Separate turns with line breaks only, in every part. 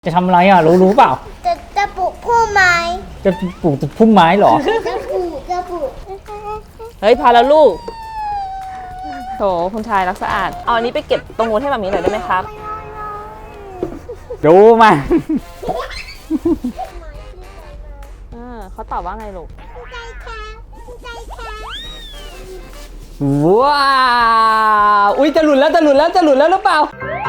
จะทำอะไรอ่ะรู้เปล่า
จะปลูกพุ่มไม้
จะปลูกพุ่มไม้เหรอ
จะปลูก
เฮ้ยพอแล้วลูกโถคุณชายรักสะอาดเอาอันนี้ไปเก็บตรงนู้นให้มามีหน่อยได้ไหมครับ
ดูมา
เขาตอบว่าไงลูก
ใจแข็งใจแข็ง
ว้าวอุ้ยจะหลุดแล้วหรือเปล่า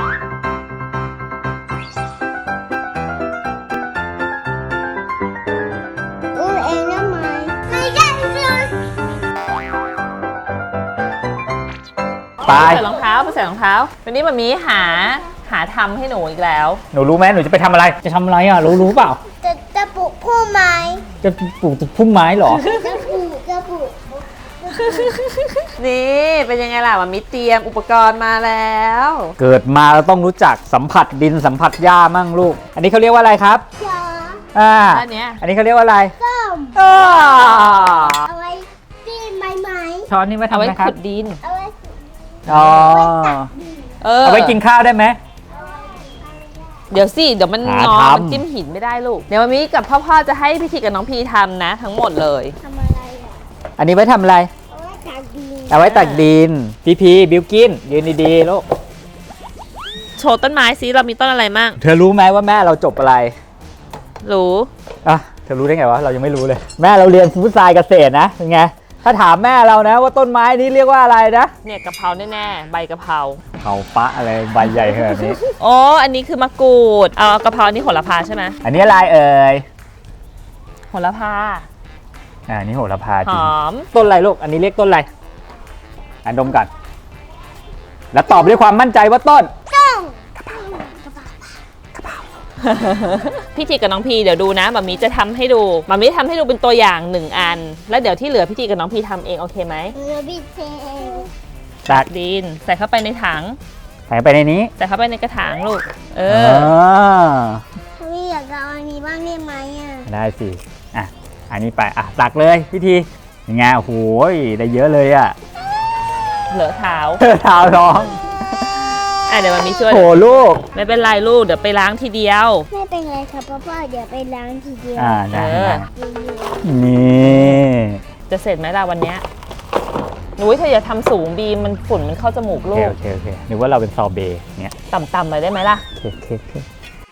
อุ้มเองได้ไหมไม่ได้เลย
ไป
ใส่รองเท้าวันนี้มามีหาทำให้หนูอีกแล้ว
หนูรู้ไหมหนูจะไปทำอะไรจะทำอะไรอ่ะรู้เปล่า
จะปลูกพุ่มไม้
จะปลูกพุ่มไม้เหรอ
จะปลูก
นี่เป็นยังไงล่ะมามีเตรียมอุปกรณ์มาแล้ว
เกิดมาเราต้องรู้จักสัมผัสดินสัมผัสหญ้ามั่งลูก อันนี้เขาเรียกว่าอะไรครับ
จอ
อันเนี้ย
อันนี้เขาเรียกว่าอะไร
ส้ม
อ้า
เอาไว้ปีนไม้ไม้
ช้อนนี่มา
เอา
ทำ
ไว้
นะครับ
ขุดดิน
เอาไว้
อ๋อ
เอา
ไว้กินข้าวได้ไหม
เดี๋ยวสิเดี๋ยวมัน
หาง
อ
ทำ
มันจิ้มหินไม่ได้ลูกเดี๋ยวมามีกับพ่อจะให้พี่ทีกับน้องพีทำนะ ทั้งหมดเลย
ทำอะไรอ่ะ
อันนี้ไว้ทำอะไร
เอาไว้จากดิน
เอาไว้ตักดินพีบิวกินยืนดีๆลูก
โชว์ต้นไม้สิเรามีต้นอะไรมั่ง
เธอรู้ไหมว่าแม่เราจบอะไร
รู้
อ่ะเธอรู้ได้ไงวะเรายังไม่รู้เลย แม่เราเรียนฟู้ดไซน์เกษตรนะเป็นไงถ้าถามแม่เรานะว่าต้นไม้นี้เรียกว่าอะไรนะ
เนี่ยกะเพราแน่ๆใบกะเพรา
เขาปะอะไรใบใหญ่ขนาดนี้
โอ้อันนี้คือมะกรูดเอากะเพราอันนี้โหระพาใช่ไหม
อันนี้อะไรเอ่ย
โหระพา
อันนี้โหระพา
ห
จริง
อม
ต้นอะไรลูกอันนี้เรียกต้นอะไรอันดมกันแล้วตอบด้วยความมั่นใจว่าต้น
ต้อง
พี่ทีกับน้องพีเดี๋ยวดูนะมามีจะทำให้ดูมามีทำให้ดูเป็นตัวอย่าง1อัน แล้วเดี๋ยวที่เหลือพี่ทีกับน้องพีทำเองโอเคไหม
เราบิดเท
ตัก
ดินใส่เข้าไปในถัง
ใส่ไปในนี้
ใส่เข้าไปในกระถางลูก
อ
เอ
พี่อยากเอาอันนี้บ้างได้ไหมอ่ะ
ได้สิอ่ะอันนี้ไปอ่ะตักเลยพี่ทียังไงโอ้โหได้เยอะเลยอ่ะ
เหลือเท้า
เท้าร้อง
เดี๋ยวมามีช่วย
โหลูก
ไม่เป็นไรลูกเดี๋ยวไปล้างทีเดียว
ไม่เป็นไรครับพ่อเดี๋ยวไปล้างทีเดียว
ได้
เออ
นี่
จะเสร็จไหมล่ะวันเนี้ยหนูเธออย่าทำสูงบีมมันฝุ่นมันเข้าจมูก
โอ
ลู
เค
ก
โอเคโอเคนึกว่าเราเป็นซอเบต์เนี่ย
ต่ำๆหน่อยได้ไหมล่ะ
โอเคโอเค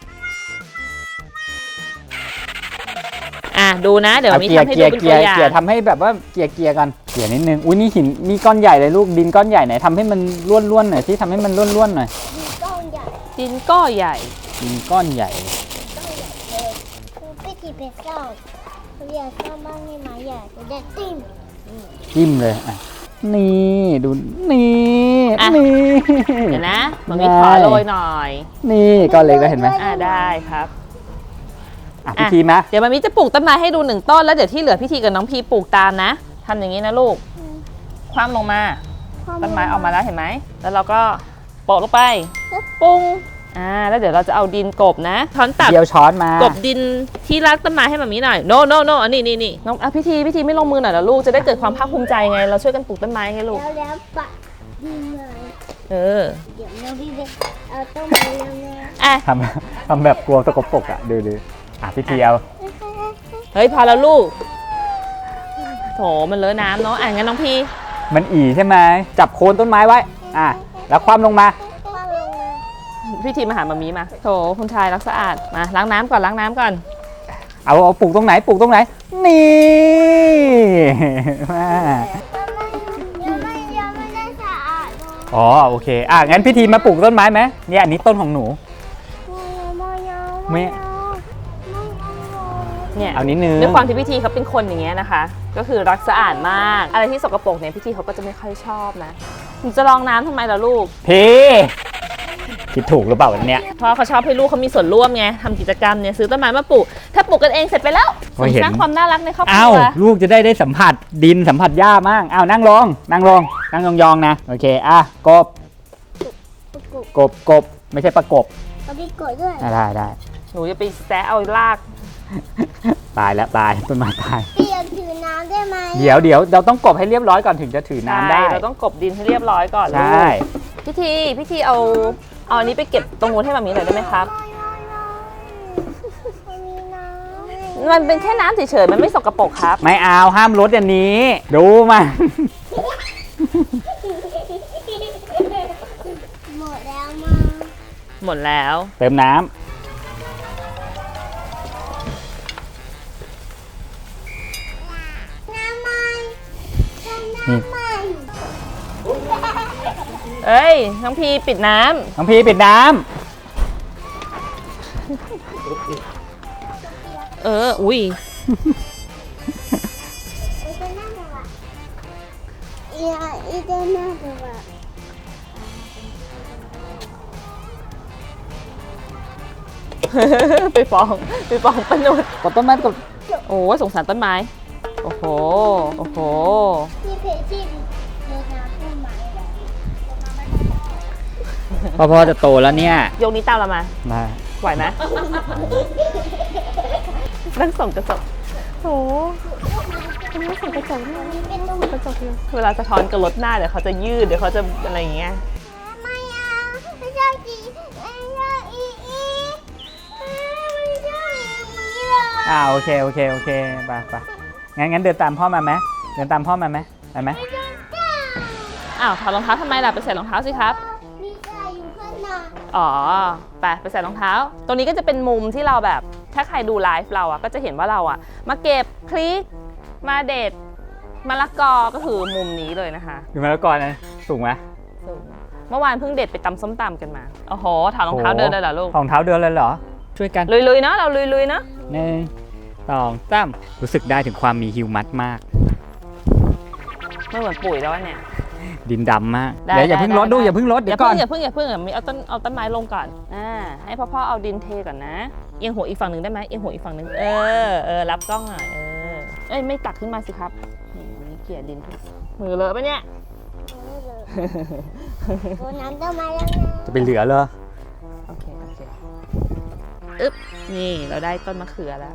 ดูนะเดี๋ยวมี
เกีย
ทำ
ร์
ให้
เกี
ดู
ยร์
เป็น
เกี
ตั
ยว ร์
อย่าง
เกียร์ทำให้แบบว่าเกียร์กันเกียร์นิดนึงอุ้ยนี่หินมีก้อนใหญ่เลยลูกดินก้อนใหญ่ไหนทำให้มันล้วนๆหน่อยที่ทำให้มันล้วนๆหน่อย
ก้อนใหญ่
ดินก็ใหญ่
ดินก้อนใหญ่
พี่ทีเป็นเจ้าอยากเข้าบ้านได้ไหมอยากจะได้ติ้ม
จิ้มเลยอ่ะนี่ดูนี่
อ่ะ
นี่
เดี๋ยวนะมันมีขอโรยหน่อย
นี่ก้อนเล็กแล้วเห็นไหม
ได้ครับ
อ่ะพี่ทีมะ
เดี๋ยวมามิจะปลูกต้นไม้ให้ดู1ต้นแล้วเดี๋ยวที่เหลือพี่ทีกับน้องพีปลูกตามนะทำอย่างนี้นะลูกคว่ำลงมาต้นไม้ออกมาแล้วเห็นไหมแล้วเราก็โปะลงไปปุ้งแล้วเดี๋ยวเราจะเอาดินกลบนะช้อนตัก
เดียวช้อนมาก
บดินที่รักต้นไม้ให้มามิหน่อย no no no อันนี้นี่น้องพี่ทีไม่ลงมือหน่อยเหรอลูกจะได้เกิดความภาคภูมิใจไงเราช่วยกันปลูกต้นไม้ไงลูก
แล้วปะดินเลย
เออ
เดี๋ยวเราพี่ไปเอาต้นไม้แล้วนะ
ทำแบบกลัวสกปรกอ่ะดูพี่ทีเอา
เฮ้ยพอแล้วลูกโถมันเลอะน้ำเนาะงั้นน้องพี
มันอีใช่ไหมจับโคนต้นไม้ไว้แล้วคว่ำลงมา
ว่าลงมา
พี่ทีมาหามามีมาโถคุณชายรักสะอาดมาล้างน้ำก่อน
เอาปลูกตรงไหนนี่มา
ยังไม่ได้สะอาดเลย
อ๋อโอเคงั้นพี่ทีมาปลูกต้นไม้ไหมเนี่ยอันนี้ต้นของหนู ไม่
เนี่ย
เอานิดนึง
ด้วยความที่พี่ทีเขาเป็นคนอย่างเงี้ยนะคะ ก็คือรักสะอาดมากอะไรที่สกปรกเนี่ยพี่ทีเขาก็จะไม่ค่อยชอบนะหนูจะลองน้ำทำไมล่ะลูก
พี่คิดถูกหรือเปล่าเนี่ย
เพราะเขาชอบให้ลูกเขามีส่วนร่วมไงทำกิจกรรมเนี่ยซื้อต้นไม้มาปลูกถ้าปลูกกันเองเสร็จไปแล้วสร้างความน่ารักในครอบครัว
ลูกจะได้สัมผัสดินสัมผัสหญ้ามั่งนั่งลงยองๆนะโอเคกบไม่ใช่ประกบ
เอาพี่กดด้วย
ได้
หนูจะไปแซะเอาลาก
ตายต้นไม้ตาย
พี่อยากถือน้ำได้ไหม
เดี๋ยวเราต้องกบให้เรียบร้อยก่อนถึงจะถือน้ำได้
เราต้องกบดินให้เรียบร้อยก่อนลู
ใช่
กพี่ทีเอาอันนี้ไปเก็บตรงนู้นให้มามีหน่อยได้ไหมครับมันเป็นแค่น้ำเฉยๆมันไม่สกปรกครับ
ไม่เอาห้ามลดอย่างนี้ ดูมา
หมดแล้วมา
หมดแล้ว
เติมน้
น้ำมัน
ำ
น้ำ
นี่
มัน
เอ้ยน้องพีปิดน้
น้องพีปิดน้
ำอุ้ย
อีตัวน่าจะว่าอีตัวน่าจะว่า
ไปฟ้องป้านุช
ำกดต้นไม้กด
โอ้ยสงสารต้นไม้ โอ้โห โอ้โห
ที่เพจที่รดน้ำต้นไม้เลย
พ่อจะโตแล้วเนี่ย
ยกนี้ตามเรามา
มา
ไหวไหม นั่งส่องกระจกโอ้นั่งส่องกระจก
เป็นนุ่ม
กระจกเลยเวลาสะท้อนกับรถหน้าเดี๋ยวเขาจะยืดเดี๋ยวเขาจะอะไรอย่างเงี้ย
ไม่เอาไม่ชอบจีไม่ชอบอีไม่ชอบอีเลย
โอเคไปงั้นเดินตามพ่อมาไหมเดินตามพ่อมาไหมไปไหม
อ้าวถอดรองเท้าทำไมล่ะไปใส่รองเท้าสิครับ
มีใครอยู่ข้างหน้า
อ๋อไปใส่รองเท้า ตรงนี้ก็จะเป็นมุมที่เราแบบ ถ้าใครดูไลฟ์เราอ่ะก็จะเห็นว่าเราอ่ะ มาเก็บพริก มาเด็ดมะละกอ ก็คือมุมนี้เลยนะคะ
ดูมาแล้วก่อนนะสูงไหม
สูงเมื่อวานเพิ่งเด็ดไปตำส้มตำกันมา โอ้โห ถอดรองเท้าเดินเลยเหรอลูก
รองเท้าเดินเลยเหรอ ช่วยกัน
ลุยๆเนาะ เราลุยๆเนาะ
1 2 3รู้สึกได้ถึงความมีฮิวมัสมาก
ไม่เหมือนปุ๋ยแล้วอะเนี่ย
ดินดำมาก
ได้
เดี๋ยวอย่าเพิ่งลด
ได้
ดู
ได้
อย่าเพิ่งลด
อ
เดี๋ย
ย่าว
ก่อน
เพิ่งมีเอาต้นไม้ลงก่อน ให้พ่อเอาดินเทก่อนนะ เอียงหัวอีกฝั่งหนึ่งได้ไหมเอียงหัวอีกฝั่งหนึ่งรับกล้องหน่อยเอ้ยไม่ตักขึ้นมาสิครับนี่เกลี่ยดินทุกมือเลอะปะเนี่ย
รดน้ำต้นไม้แล้วนะ
จะไปเหลือเลย
โอเคอึ๊บนี่เราได้ต้นมะเขือแล้ว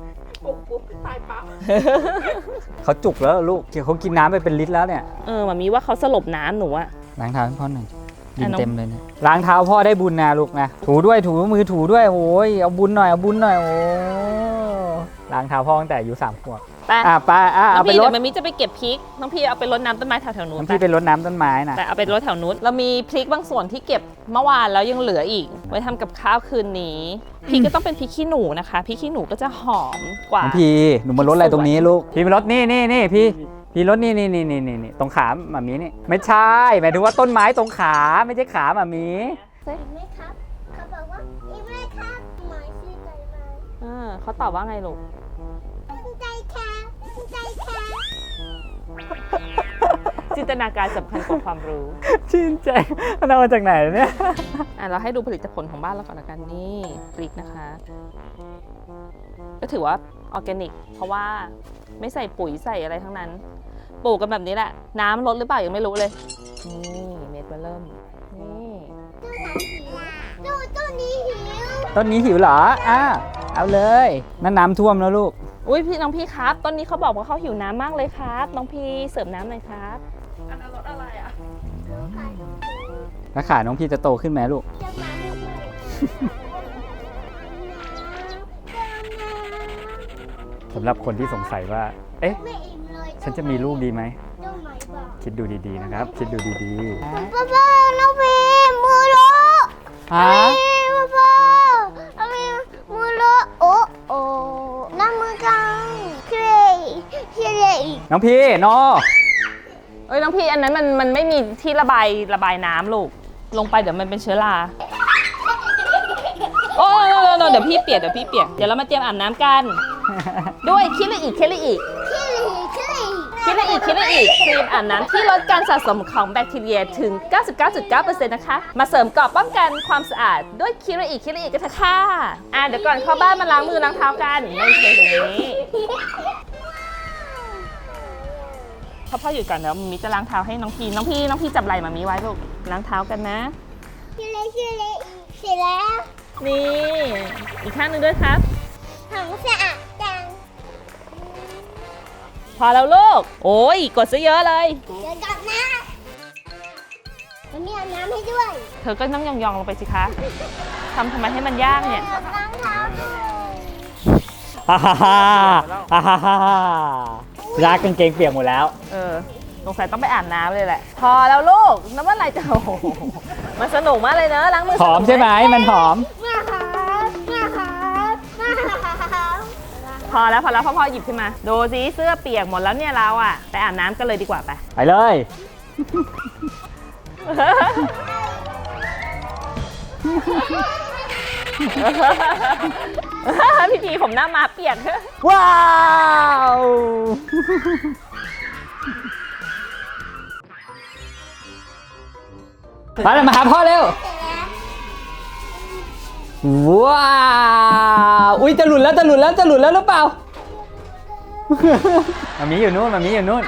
เขาจุกแล้วลูกเขากินน้ำไปเป็นลิตรแล้วเนี่ย
มันมีว่าเขาสลบน้ำหนูอะ
ล้างเท้าให้พ่อหน่อยดิน
น้อง
เต็มเลยเนี่ยล้างเท้าพ่อได้บุญนะลูกนะถูด้วยถูมือถูด้วยโอ้ยเอาบุญหน่อยโอ้ล้างเท้าพ่อตั้งแต่อายุ3 ขวบ
ไป
ไป
น้อ
เอา
ง
ไป
พี่
ร
เดี๋
ด
ยวมันมีจะไปเก็บพริกน้องพี่เอาไปรดน้ำต้นไม้แถวๆนู้น
น้ำพี่ไปรดน้ำต้นไม้น่ะ
แต่เอาไปรดแถวนู้นเรามีพริกบางส่วนที่เก็บเมื่อวานแล้วยังเหลืออีก ไว้ทำกับข้าวคืนนี้พริกก็ต้องเป็นพริกขี้หนูนะคะพริกขี้หนูก็จะหอมกว่า
น้องพี่หนูมารดอะไรตรงนี้ลูกพี่มารดนี่พี่รดนี่ตรงขาหมามีนี่ไม่ใช่หมายถึงว่าต้นไม้ตรงขาไม่ใช่ขาหมามี
อีกไหมครับเขาบอกว่าอีกไหมครับหมายชื่อใจไหม
เขาตอบว่าไงลูก
ใจแค่ใจแค่
จินตนาการสำคัญกว่าความรู้
ชื่นใจมันเอามาจากไหนเนี่ย
เราให้ดูผลิตผลของบ้านเราก่อนละกันนี่พริกนะคะ ก็ถือว่าออร์แกนิก เพราะว่าไม่ใส่ปุ๋ยใส่อะไรทั้งนั้น ปลูกกันแบบนี้แหละ น้ำลดหรือเปล่ายังไม่รู้เลย นี่เม็ดมาเริ่ม นี่
ต้นนี้หิว
ต้นนี้หิวเหรอเอาเลยนั่นน้ำท่วมแล้วลูก
อุ้ยพี่น้องพี่ครับต้นนี้เขาบอกว่าเขาหิวน้ำมากเลยครับน้องพี่เสิร์ฟน้ำหน่อยครับอันนั้นรสอะไรอ่ะ
แล้วขาน้องพี่จะโตขึ้นไหมลูก
จะมาทำไม
สำหรับคนที่สงสัยว่า เอ๊ะ
ไม่อิ่มเลย
ฉันจะมีลูกดีไหม
ต้นไม้บอก
คิดดูดีๆนะครับ คิดดูดี
ป้าป้าน้องพีมูโร
ๆฮะ
ป้าป้าน้องพีมูโรโอ้น้ำมือกันเครย์
น้องพี่โน
เอ้ยน้องพี่อันนั้นมันไม่มีที่ระบายน้ำลูกลงไปเดี๋ยวมันเป็นเชื้อราโอ้เดี๋ยวพี่เปียกเดี๋ยวเรามาเตรียมอาบน้ำกัน ด้วยคิริอิครีมอาบน้ำที่ลดการสะสมของแบคทีเรียถึง 99.9% นะคะ มาเสริมเกราะป้องกันความสะอาดด้วยคิริอิกันเถอะค่ะเดี๋ยวก่อนเข้าบ้านมาล้างมือล้างเท้ากันไม่ใช่ตรงนี้พ่อหยุดก่อนเดี๋ยวมีจะล้างเท้าให้น้องพี่จับไหล่มามีไว้ลูกล้างเท้ากันนะ
คิริเสร็จแล้ว
นี่อีกข้างหนึงด้วยครับ
ของสะอาดจัง
พอแล้วลูกโอ้ยกดซะเยอะเลย
เดี๋ยวกลับนะมันมีอาบน้ำให้ด้วย
เธอก็นั่งยองๆลงไปสิคะทำไมให้มันยากเนี่ย
ล้างเท้าด้วย
ไปฮ่าฮ่าฮ่าฮ่าฮ่าฮ่ารักกางเกงเปียกหมดแล้ว
สงสัยต้องไปอาบน้ำเลยแหละ พอแล้วลูกน้ำมันไหลจะโอ้โหมันสนุกมากเลยเนอะล้างมือ
หอมใช่ไหมมันหอม
พอแล้วพ่อหยิบขึ้นมาดูสิเสื้อเปียกหมดแล้วเนี่ยเราอ่ะไปอาบน้ำกันเลยดีกว่าไป
ไปเลย
พี่ทีผมหน้ามาเปียก
ว้าวมาเลยมาหาพ่อเร็ว ว้าวอุ้ยจะหลุดแล้วหรือเปล่า มามีอยู่นู่น
น้ำเสร็จแล้ว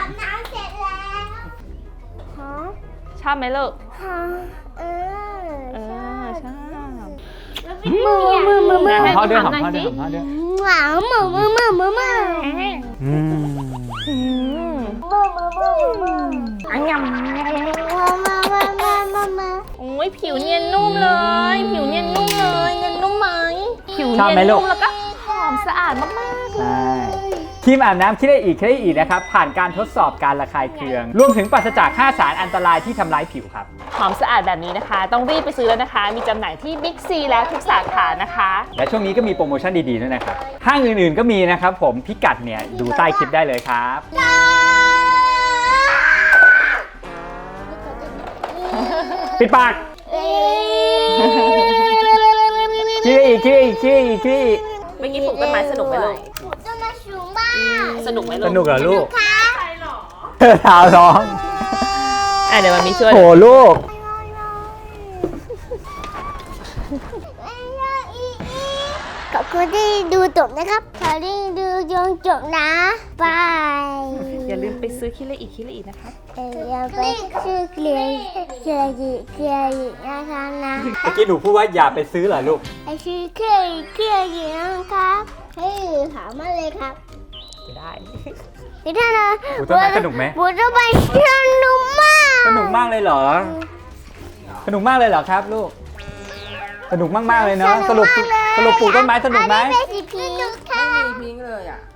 ชอบไหมลูก
ฮะเออ
ชอบ
มือ
ให้
พ่อด้วย
ห
ห
อ
อ
ม
ม
หน่
พ่อ
อย
ด้วย
สิ
หอมพ่อด้วย
หวานมือ
อืม
อันยำ
มา
โอ้ยผิวเนียนนุ่มเลย ผิวเนียนนุ่มเลยเนียนนุ่มไหมผิว
ชอบ
เนียน
ไหมลูก
นุ่มแล้วก็หอมสะอาดมากๆเลย
ใช่ครีมอาบน้ำคิดได้อีกนะครับ ผ่านการทดสอบการระคายเคือง รวมถึงปราศจาก 5 สารอันตรายที่ทำร้ายผิวครับ
หอมสะอาดแบบนี้นะคะ ต้องรีบไปซื้อแล้วนะคะ มีจำหน่ายที่บิ๊กซีแล้วทุกสาขานะคะ
และช่วงนี้ก็มีโปรโมชั่นดีๆด้วยนะครับ ห้างอื่นๆก็มีนะครับผมพิกัดเนี่ยดูใต้คลิปได้เลยครับ ปิดปากคิดได้อีก
เมื่อกี้ปลูกต้นไม้สนุกไหมลูก
จะมาสูงมาก
สนุกไหมลู
ส
ก
นุกเหรอลูก
ค่ะ
เธอเท้าร้อง
เดี๋ยวมันมีช่วย
โหลูก
ขอบคุณที่ดูจบนะครับขอที่ดูจนจบนะบาย
อย่าลืมไปซื้อคิเลอีกนะครับ
อย่าไปชื่อเคลียร์นะคะนะ
เมื่อกี้หนูพูดว่าอย่าไปซื้อเหรอลูก
ไอชื่อเคลียร์นะครับให้ถามมาเลยครับ
ได้
นี่ท่านนะ
บูต้นไม้สนุกไหม
บูต้นไม้สนุกมาก
สนุกมากเลยเหรอ สนุกมากเลยเหรอครับลูก สนุกมากๆเลยเนาะ สรุปปลูกต้นไม้สนุกไหม
อันนี้เป็นสีพิงค์ค่ะ
พิงค์เลยอ่ะ